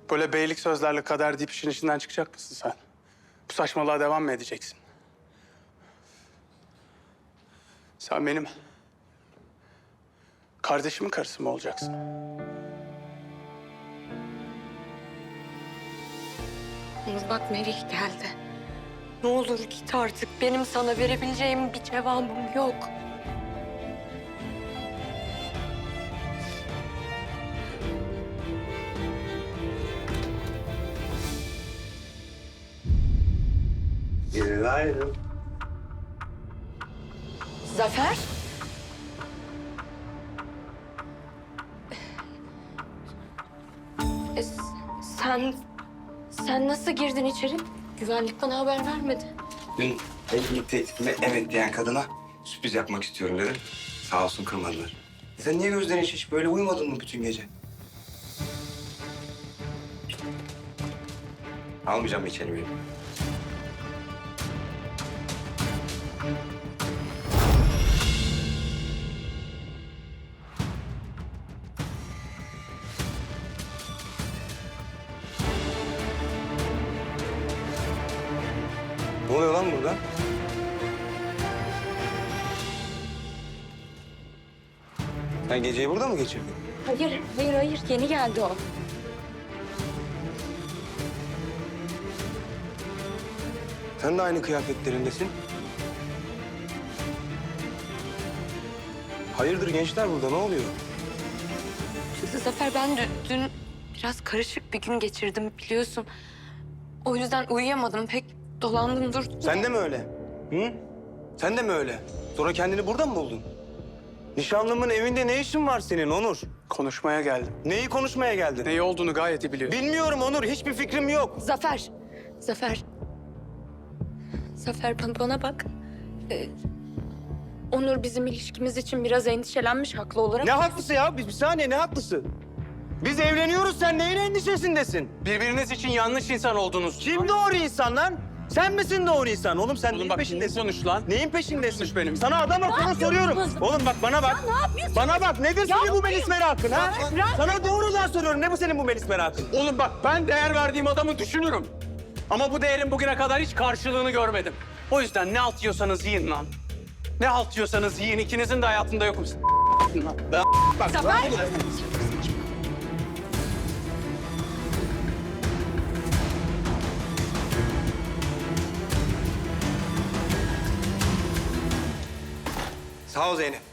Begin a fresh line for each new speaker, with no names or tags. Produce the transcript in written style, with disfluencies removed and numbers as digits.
Böyle beylik sözlerle kader deyip işin içinden çıkacak mısın sen? Bu saçmalığa devam mı edeceksin? Sen benim kardeşimin karısı mı olacaksın?
Onur bak Merih geldi. Ne olur git artık. Benim sana verebileceğim bir cevabım yok.
Günaydın.
Zafer? E, sen nasıl girdin içeri? Güvenlik bana haber vermedi.
Dün evlilik teklifime evet diyen kadına sürpriz yapmak istiyorum dedim. Sağ olsun kırmadılar. Sen niye gözlerin şiş? Böyle uyumadın mı bütün gece? Almayacağım içeri beni. Ne oluyor lan burada? Sen geceyi burada mı geçirdin?
Hayır. Yeni geldi o.
Sen de aynı kıyafetlerindesin. Hayırdır gençler burada ne oluyor?
Zafer ben dün biraz karışık bir gün geçirdim biliyorsun. O yüzden uyuyamadım pek dolandım durdum.
Sen de mi öyle? Hı? Sen de mi öyle? Sonra kendini burada mı buldun? Nişanlımın evinde ne işin var senin Onur?
Konuşmaya geldim.
Neyi konuşmaya geldin?
Neyi olduğunu gayet iyi biliyorum.
Bilmiyorum Onur, hiçbir fikrim yok.
Zafer bana bak. Onur bizim ilişkimiz için biraz endişelenmiş haklı olarak.
Ne haklısı ya? Bir saniye ne haklısı? Biz evleniyoruz, sen neyin endişesindesin?
Birbiriniz için yanlış insan oldunuz.
Kim doğru insan lan? Sen misin doğru insan? Oğlum sen neyin
bak,
peşindesin?
konuş lan.
Neyin peşindesin?
Konuş benimle.
Sana adam akıllı soruyorum. Oğlum bak bana bak.
Ne yapıyorsun?
Bana bak nedir senin bu melis merakın ha?
Bırak.
Sana doğrudan soruyorum. Ne bu senin bu melis merakın?
Oğlum bak, ben değer verdiğim adamı düşünürüm. Ama bu değerin bugüne kadar hiç karşılığını görmedim. O yüzden ne halt yiyorsanız yiyin lan. Ne halt yiyorsanız yiyin. İkinizin de hayatında yokum. Lan. Bak,
Zafer!
Sağ ol Zeynep.